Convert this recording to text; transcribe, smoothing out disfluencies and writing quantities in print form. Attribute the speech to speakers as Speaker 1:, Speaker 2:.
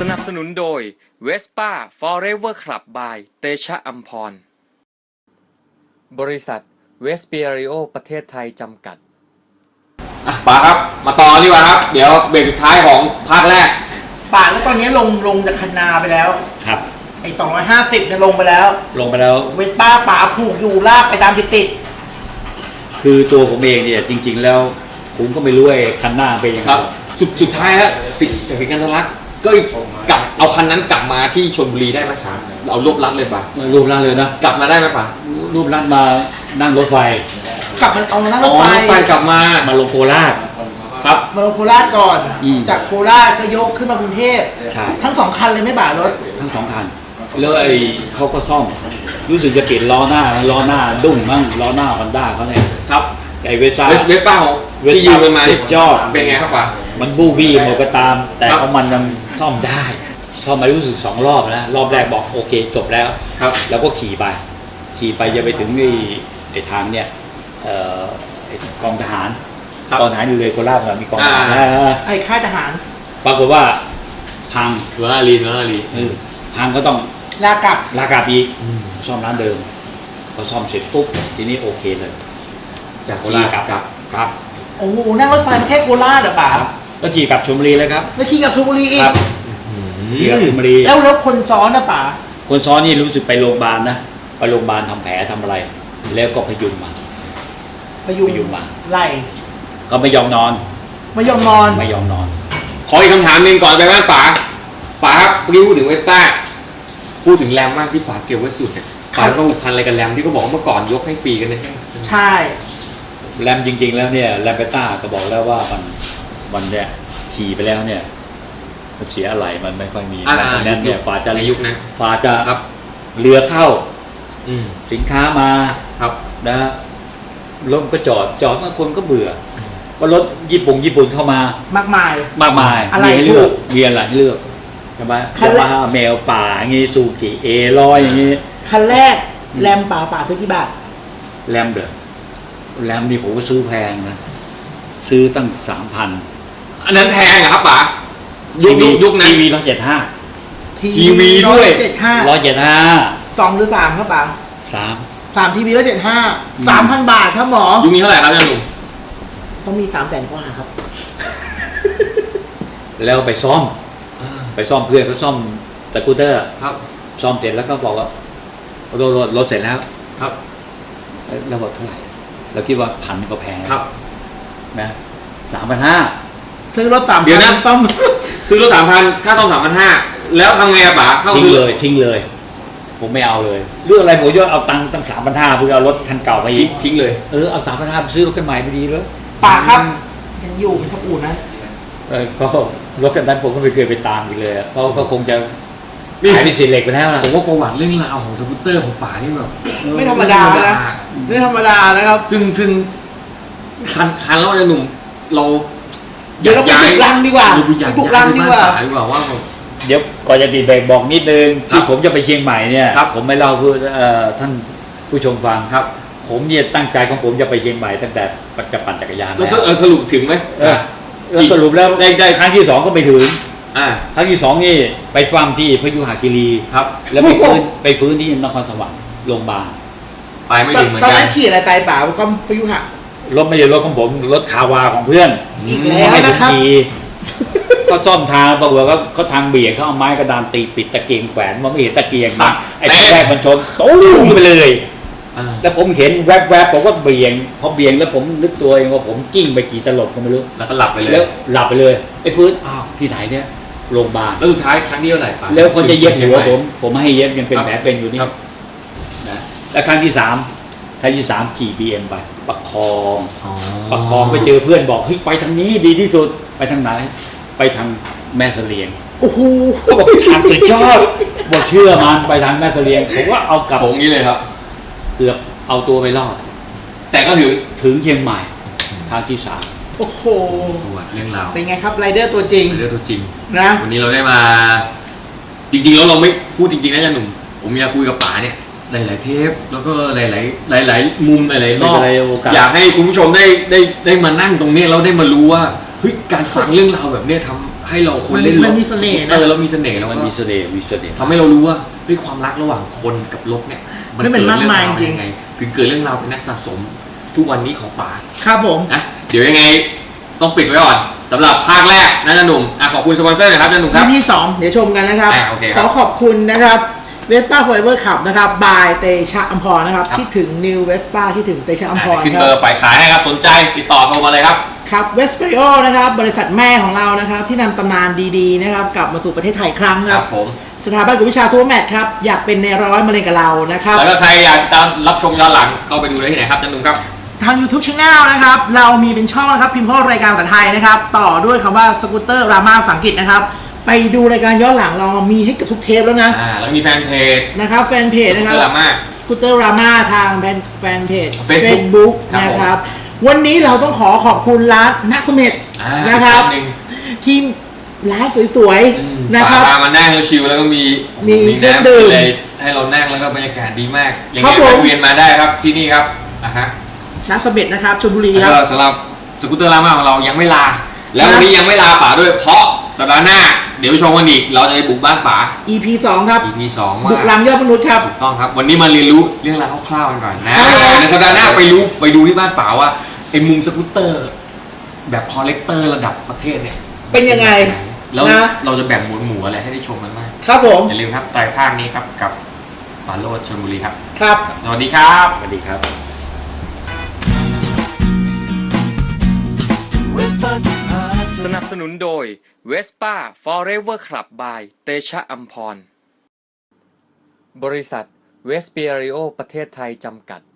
Speaker 1: นับสนุนโดย Vespa Forever Club by เตชะอัมพรบริษัทเวสเปียริโอประเทศไทยจำกัด
Speaker 2: ป๋าครับมาต่อดีกว่าครับเดี๋ยวเบรกสุดท้ายของภาคแรก
Speaker 3: ป๋าแล้วตอนนี้ลงจากคันนาไปแล้ว
Speaker 4: ครับ
Speaker 3: ไอ้250เนี่ยลงไปแล้วเวทป้าป๋าผูกอยู่ลากไปตามติด
Speaker 4: คือตัวผมเองเนี่ยจริงๆแล้วผมก็ไม่รู้ไอ้คันหน้าเป็นยังไง
Speaker 2: ครับสุดท้ายฮะสิทธิการรักก็กลับเอาคันนั้นกลับมาที่ชลบุรีได้ไหมครับเอารวบรัดเลยป่ะ
Speaker 4: รวบรัดเลยนะ
Speaker 2: กลับมาได้ไหมป่ะ
Speaker 4: รวบรัดมานั่งรถไฟ
Speaker 3: กลับมันเอานั่งรถไฟ
Speaker 2: กลับมา
Speaker 4: ลงโคราช
Speaker 2: ครับ
Speaker 3: มาลงโคราชก่อนจากโคราชก็ยกขึ้นมากรุงเทพ
Speaker 4: ใช่
Speaker 3: ทั้ง2คันเลยไม่บ่ารถ
Speaker 4: ทั้ง2คันแล้วไอ้เขาก็ซ่อมรู้สึกจะเปลี่ยนล้อหน้าดุ้งมั่งล้อหน้าฮอนด้าเขาเนี่ย
Speaker 2: ครับ
Speaker 4: ไอ้เวส
Speaker 2: ป้าของที่ยืมมา
Speaker 4: ยอด
Speaker 2: เป็นไงครับป่ะ
Speaker 4: มันบูบี้หมดก็ตามแต่ของมันยังซ่อมได้ซ่อมมารู้สึก2 รอบนะรอบแรกบอกโอเคจบแล้ว
Speaker 2: ครับ
Speaker 4: แล้วก็ขี่ไปจะไปถึงไอ้ทางเนี่ยกองทหารอยู่เลยโคราชมีกองทหาร
Speaker 3: ไอ้ค่ายทหาร
Speaker 4: ปรากฏว่าพัง
Speaker 2: สุรารี
Speaker 4: พังก็ต้อง
Speaker 3: ลาก
Speaker 4: ลับอีกซ่อมร้านเดิมพอซ่อมเสร็จปุ๊บทีนี้โอเคเลย
Speaker 2: จากโคราชกลับ
Speaker 3: โอ้โหนั่งรถไฟมาแค่โคราชป่ะ
Speaker 4: ก็ขี่กลับชลบุรีเลยครับ
Speaker 3: แล้วขี่กลับชลบุรีอีก
Speaker 4: ขี่กลับชลบุรี
Speaker 3: แล้วคนซ้อนป่ะ
Speaker 4: คนซ้อนนี่รู้สึกไปโรงพยาบาลนะไปโรงพยาบาลทำแผลทำอะไรแล้วก็พยุงมา
Speaker 3: ไล่
Speaker 4: ก็ไม่ยอมนอน
Speaker 2: ขออีกคำถามนึงก่อนไปบ้านป๋าครับเมื่อกี้พูดถึงเวสป้าพูดถึงแรมมากที่ป๋าเก็บไว้สุดเนี่ยป๋าก็ผูกพันอะไรกับแรมที่เขาบอกเมื่อก่อนยกให้ฟรีกันเลย
Speaker 3: ใช่
Speaker 4: แรมจริงๆแล้วเนี่ยแรมเบต้าก็บอกแล้วว่ามันเนี่ยขี่ไปแล้วเนี่ยมันเสียอะไรมันไม่ค่อยมีนั้นเนี่ยฝ่าจะ
Speaker 2: ในยุคนั้น
Speaker 4: ฝ่าจะเรือเข้าสินค้ามานะรถก็จอดบางคนก็เบื่อว่ารถญี่ปุ่นเข้ามาม
Speaker 3: ากมาย
Speaker 4: มีให้เลือกใช่ไหมยามาฮ่าแมวป่าอย่างงี้ซูกิA100อย่างงี้
Speaker 3: คันแรกแรมป่าซื้อกี่บาท
Speaker 4: แรมนี่ผมก็ซื้อแพงนะซื้อตั้ง 3,000
Speaker 2: อันนั้นแพงเหรอครับป๋ายุคนั้น
Speaker 4: ทีวี175
Speaker 2: ทีวีด้วย
Speaker 4: 175
Speaker 3: 2หรือ3ครับป๋า3ทีวี175 3,000 บาทครับหมอ
Speaker 2: ยุคนี้เท่าไหร่ครับเนี่ยลุง
Speaker 3: ต้องมี300,000 กว่าครับ
Speaker 4: แล้วไปซ่อมเพื่อนเขาซ่อมสกูตเตอร์
Speaker 2: ครับ
Speaker 4: ซ่อมเสร็จแล้วก็บอกว่ารถเสร็จแล้ว
Speaker 2: ครับ
Speaker 4: แล้วบอกเท่าไหร่เราคิดว่า1,000ก็แพง
Speaker 2: ครับ
Speaker 4: นะ 3,500
Speaker 3: ซื้อรถ3,000
Speaker 2: เดี๋ยวนะซ่อมซื้อรถ 3,000 ค่าซ่อม 3,500 แล้วทำไงป๋า
Speaker 4: ทิ้งเลยผมไม่เอาเลยเรื่องอะไรผมจะเอาตังค์ตั้ง 3,500 เพื่อเอารถคันเก่าไป
Speaker 2: ทิ้งเลย
Speaker 4: เอา 3,500 ไปซื้อรถคันใหม่ไปดีเลย
Speaker 3: ป๋าครับยังอยู่เป็นขบูนะ
Speaker 4: ก็รถคันนั้นผมก็ไม่เคยไปตามอีกเลยเพราะก็คงจะขายที่เศษเหล็กไปแล้วนะ
Speaker 2: ผมว่าประวัติเรื่องราวของสกูตเตอร์ของป๋านี่แบบ
Speaker 3: ไม่ธรรมดานะไม่ธรรมดานะครับ
Speaker 2: ซึ่งคันแล้วจะหนุ่มเรา
Speaker 3: เดี๋ยวเราไปบุกรังดีกว่า
Speaker 2: ว่า
Speaker 4: เดี๋ยวก่อนจะติดเบรกบอกนิดนึงที่ผมจะไปเชียงใหม่เนี่ยผมไม่เล่าเพื่อท่านผู้ชมฟัง
Speaker 2: ครับ
Speaker 4: ผมเนี่ยตั้งใจของผมจะไปเชียงใหม่ตั้งแต่จะปั่นจักรยาน
Speaker 2: แล้วสรุปถึงไหม
Speaker 4: สรุปแล้วได้ครั้งที่2ก็ไปถึงครั้งที่2นี่ไปฟังที่พยุหคีรี
Speaker 2: ครับ
Speaker 4: แล้วไปฟื้นที่นครสวรรค์โรงพยาบาล
Speaker 2: ไปไม่ถึงเหมือนกัน
Speaker 3: ตอนนั้นขี่อะไรไปป่าวก็พยุหะ
Speaker 4: รถไม่ใช่รถของผมรถคาวาของเพื่อน
Speaker 3: อีกแล้วนะครับ
Speaker 4: ก็ซ่อมทางปรากฏว่าเขาทางเบี่ยงเขาเอาไม้กระดานตีปิดตะเกียงแขวนมันไม่เห็นตะเกียงนะไอ้แรกมันชนตู้มไปเลยแล้วผมเห็นแวบๆผมก็เบี่ยงพอเบี่ยงแล้วผมนึกตัวเองว่าผมกิ้งไปกี่ตลบก็ไม่รู้
Speaker 2: แล้วก็หลับไปเลย
Speaker 4: แล้วหลับไปเลยไอ้ฟื้นที่ไหนเนี่ยโรงพยาบาล
Speaker 2: แล้วสุดท้ายครั้งนี้เท่าไหร่ป่ะ
Speaker 4: แล้วคนจะเย็บหัวผมไม่ให้เย็บยังเป็นแผลเป็นอยู่นี่นะแล้วครั้งที่3ขี่ BM ไปประคองไปเจอเพื่อนบอกเฮ้ยไปทางนี้ดีที่สุดไปทางไหนไปทางแม่เสลียง
Speaker 3: โอ้โห
Speaker 4: ก็บอกทางสุดยอดบอกเชื่อมันไปทางแม่เสลียงผมว่าเอากลับ
Speaker 2: โค้งนี้เลยครับ
Speaker 4: เกือบเอาตัวไปรอด
Speaker 2: แต่ก็
Speaker 4: ถึงเชียงใหม่ทางที่3
Speaker 3: โอ้โห
Speaker 2: เรื่องราว
Speaker 3: เป็นไงครับไรเดอร์ตัวจริงนะ
Speaker 2: วันนี้เราได้มาจริงๆแล้วเราไม่พูดจริงๆนะจันหนุ่มผมอยากคุยกับป๋าเนี่ยหลายๆเทปแล้วก็หลายมุมหลายๆรอบอยากให้คุณผู้ชมได้มานั่งตรงนี้แล้วได้มารู้ว่าเฮ้ยการฟังเรื่องราวแบบนี้ทให้เราคนเล่นรถ
Speaker 3: มันมีเสน่ห์นะ
Speaker 2: แล้วมีเสน่ห์แล้ว
Speaker 4: มันมีเสน่ห์
Speaker 2: ทำให้เรารู้ว่าด้วยความรักระหว่างคนกับรถเนี่ย
Speaker 3: มันเป็นมากมายจริง
Speaker 2: ไงถึงเกิดเรื่องราวเป็นนักสะสมทุกวันนี้ของป๋า
Speaker 3: ครับผม
Speaker 2: นะเดี๋ยวยังไงต้องปิดไว้ก่อนสำหรับภาคแรกนะจันหนุ่มขอบคุณสปอนเซอร์หนะครับจันหนุ่มครับ
Speaker 3: ที่2เดี๋ยวชมกันนะครับ
Speaker 2: โอเคค
Speaker 3: ข
Speaker 2: รับ
Speaker 3: อขอบคุณนะครับเวสป้าฟอร์เอเวอร์ขับนะครับบายเตชะอัมพรนะครับ
Speaker 2: ครับ
Speaker 3: คิดถึงนิวเวสป้าคิดถึงเตชะอัมพร
Speaker 2: ขึ้น
Speaker 3: ค
Speaker 2: เบอ
Speaker 3: รับ
Speaker 2: ร์ฝ่ายขายให้ครับสนใจติดต่อโทรมาเลยครับ
Speaker 3: ครับเวสเปริโอนะครับบริษัทแม่ของเรานะครับที่นำตำนานดีๆนะครับกลับมาสู่ประเทศไทยอีกครั้งครับ
Speaker 2: ผม
Speaker 3: สถาบันกวดวิชาทั่วแมทครับอยากเป็นในร้อยมาเรียนกับเรานะครับ
Speaker 2: แล้วก็ใครอยากติดตามรับชมย้อนหลังเข้าไปดูได้ที่ไหนครับจันหนุ่มครับ
Speaker 3: ทาง YouTube Channel นะครับเรามีเป็นช่องนะครับพิมพ์ข้อรายการภาษาไทยนะครับต่อด้วยคำว่าสกูตเตอร์รามาภาษาอังกฤษนะครับไปดูรายการย้อนหลังเรามีให้เกับทุกเทปแล้วนะ
Speaker 2: แล้วมีแฟนเพจ
Speaker 3: นะครับแฟนเพจนะครับ
Speaker 2: ดราม่า
Speaker 3: สกูตเตอร์รามาทางแฟนเพจ
Speaker 2: Facebook ครับ
Speaker 3: นะครับวันนี้เราต้องขอบคุณร้านนักสมเด็จ นะครับ
Speaker 2: หนึ่ง
Speaker 3: ที่ร้านสวยๆนะครับ
Speaker 2: พามานั่งแล้วชิลแล้วก็มี
Speaker 3: เครื่อง
Speaker 2: น้ำ
Speaker 3: ดื่ม
Speaker 2: อะไรให้เรานั่งแล้วก็บรรยากาศดีมากยัง
Speaker 3: ครั
Speaker 2: ไง
Speaker 3: บผม
Speaker 2: แวะเวียนมาได้ครับที่นี่ครับฮะ
Speaker 3: นักสมเด็จนะครับชลบุรี
Speaker 2: แล้ว
Speaker 3: ค
Speaker 2: ก็
Speaker 3: รับ
Speaker 2: สำหรับสกูตเตอร์รามาของเรายังไม่ลา แล้ววันนี้ยังไม่ลาป๋าด้วยเพราะสัปดาห์หน้า เดี๋ยวไปชมกันอีกเราจะไปบุกบ้านป๋า
Speaker 3: EP 2 ครับ
Speaker 2: EP 2 ว่า
Speaker 3: บุกลังยอดมนุษย์ครับ
Speaker 2: ถูกต้องครับ วันนี้มาเรียนรู้เรื่องราวคร่าวๆกันก่อนนะครับ
Speaker 3: ผม
Speaker 2: ในสัปดาห์หน้าไปดูที่บ้านป๋าว่าไอ้มุมสกูตเตอร์ แบบคอลเลกเตอร์ระดับประเทศเนี่ย
Speaker 3: เป็นยังไง
Speaker 2: แล้ว
Speaker 3: นะ
Speaker 2: เราจะแบ่งหมวดอะไรให้ได้ชมกันบ้าง
Speaker 3: ครับผม
Speaker 2: อย่าลืมครับไตรภาคนี้ครับกับป๋าโรจน์ชลบุรีครับ
Speaker 3: ครับ
Speaker 2: สวัสดีครับ
Speaker 4: สวัสดีครับ
Speaker 1: สนับสนุนโดย Vespa Forever Club by เตชะอัมพร บริษัทเวสเปียริโอประเทศไทยจำกัด